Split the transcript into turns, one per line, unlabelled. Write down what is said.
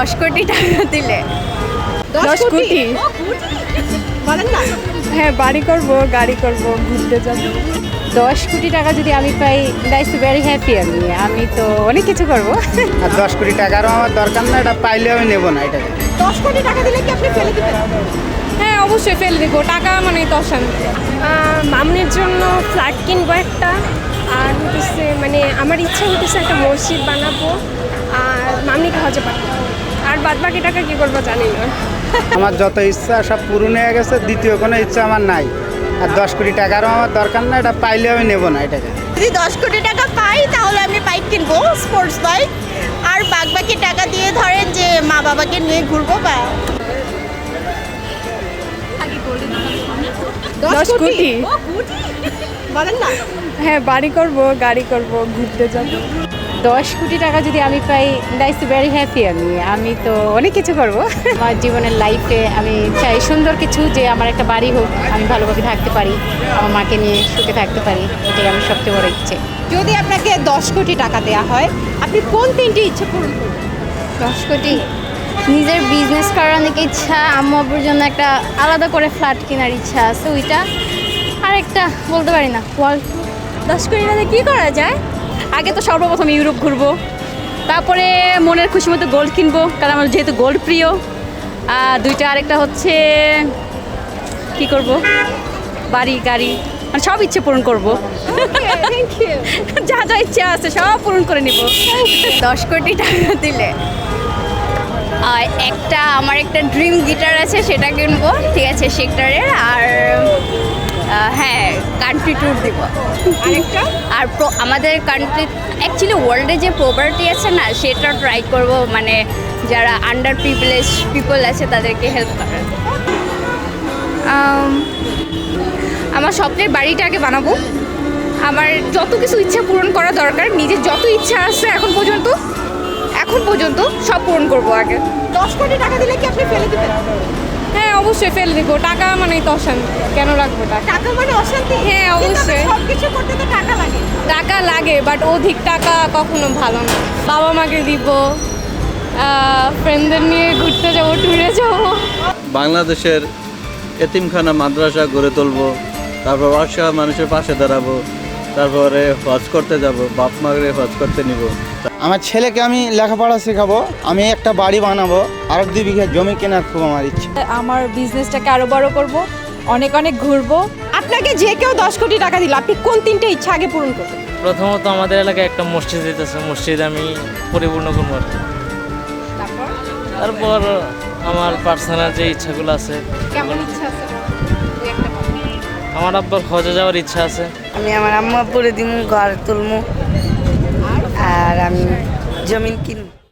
10 কোটি টাকা দিলে
10 কোটি
বলেন না।
হ্যাঁ, বাড়ি করব, গাড়ি করব, ঘুরতে যাব।
10 কোটি টাকা যদি আমি পাই, দ্যাটস ভেরি হ্যাপি। আমি তো অনেক কিছু করব।
আর 10 কোটি টাকারও আমার দরকার না, এটা পাইলে আমি নেবো না এটাকে।
10 কোটি টাকা দিলে কি আপনি ফেলে দিবেন? হ্যাঁ, অবশ্যই ফেলে দেবো। টাকা মানে তো অশান্তি। মামনির জন্য ফ্ল্যাট কিনবো একটা, আর হতেছে মানে আমার ইচ্ছা হতেছে একটা মসজিদ বানাবো, আর মামনিকে হজে পাঠাবো। আর বাদ বাকি টাকা কী করবো জানি না।
আমার যত ইচ্ছা সব পূরণ হয়ে গেছে, দ্বিতীয় কোনো ইচ্ছা আমার নাই। আর 10 কোটি টাকারও আমার দরকার না, এটা পাইলে আমি নেবো না এটাকে।
যদি 10 কোটি টাকা পাই তাহলে আমি বাইক কিনবো, স্পোর্টস বাইক। আর বাকি টাকা দিয়ে ধরেন যে মা বাবাকে নিয়ে ঘুরবো বা
10 কোটি
বলেন না।
হ্যাঁ, বাড়ি করব, গাড়ি করব, ঘুরতে যাব।
10 কোটি টাকা যদি আমি পাই, দ্যাটস ভেরি হ্যাপি। আমি তো অনেক কিছু করব। আমার জীবনের লাইফে আমি চাই সুন্দর কিছু, যে আমার একটা বাড়ি হোক, আমি ভালোভাবে থাকতে পারি, আমার মাকে নিয়ে সুখে থাকতে পারি। এটাই আমার সবচেয়ে বড় ইচ্ছে।
যদি আপনাকে 10 কোটি টাকা দেওয়া হয়, আপনি কোন 3টি ইচ্ছে পূরণ করবেন?
10 কোটি নিজের বিজনেস করার অনেক ইচ্ছা, আম্মু আব্বুর জন্য একটা আলাদা করে ফ্ল্যাট কেনার ইচ্ছা আছে ওইটা, আর একটা বলতে পারি না ওয়ার্ল্ড।
10 কোটি টাকা কী করা যায়?
আগে তো সর্বপ্রথম ইউরোপ ঘুরবো, তারপরে মনের খুশি মতো গোল্ড কিনবো, কারণ আমার যেহেতু গোল্ড প্রিয়। আর দুইটা, আরেকটা হচ্ছে কি করব, বাড়ি গাড়ি, মানে সব ইচ্ছে পূরণ করব। যা যা ইচ্ছা আছে সব পূরণ করে নিব।
10 কোটি টাকা দিলে আমার একটা ড্রিম গিটার আছে, সেটা কিনবো, ঠিক আছে, সেক্টরের। আর হ্যাঁ, কান্ট্রি ট্যুর দিব।
আরেকটা?
আর আমাদের কান্ট্রি, অ্যাকচুয়ালি ওয়ার্ল্ডে যে প্রপার্টি আছে না, সেটা ট্রাই করব, মানে যারা আন্ডার প্রিভিলেজ পিপল আছে তাদেরকে হেল্প করার।
আমার স্বপ্নের বাড়িটাকে বানাবো। আমার যত কিছু ইচ্ছা পূরণ করা দরকার, নিজের যত ইচ্ছা আছে এখন পর্যন্ত সব পূরণ করব আগে।
10 কোটি টাকা দিলে কি আপনি ফেলে দিবেন?
হ্যাঁ, অবশ্যই ফেলে দেবো। টাকা মানে তো অশান্তি, কেন রাখবো টাকা?
টাকা মানে অশান্তি?
হ্যাঁ, অবশ্যই।
সব কিছু করতে তো টাকা লাগে।
টাকা লাগে, বাট অধিক টাকা কখনো ভালো না। বাবা মাকে দিব, ফ্রেন্ডদের নিয়ে ঘুরতে যাবো, ট্যুরে যাবো।
বাংলাদেশের এতিমখানা মাদ্রাসা গড়ে তুলবো, তারপর অসহায় মানুষের পাশে দাঁড়াবো, তারপরে হজ করতে যাব, বাপ মাকে হজ করতে নিব।
আমার ছেলেকে আমি লেখাপড়া শেখাবো, আমি একটা বাড়ি বানাবো, আর 2 বিঘা জমি কেনার খুব আমার ইচ্ছে।
আমার বিজনেসটাকে আরো বড় করব, অনেক অনেক ঘুরবো। আপনাকে যে কেউ 10 কোটি টাকা দিল, আপনি কোন 3টে ইচ্ছা আগে পূরণ করবেন?
প্রথমত আমাদের এলাকায় একটা মসজিদ দিতেছে, মসজিদ আমি পরিপূর্ণ করবো আর কি। তারপর আমার পার্সোনাল যে ইচ্ছাগুলো আছে,
কেমন ইচ্ছা আছে?
আমার আব্বার হজে যাওয়ার ইচ্ছা আছে।
আমি আমার আম্মু আব্বুরে দিমু, ঘর তুলমু, আর আমি জমিন কিনবো।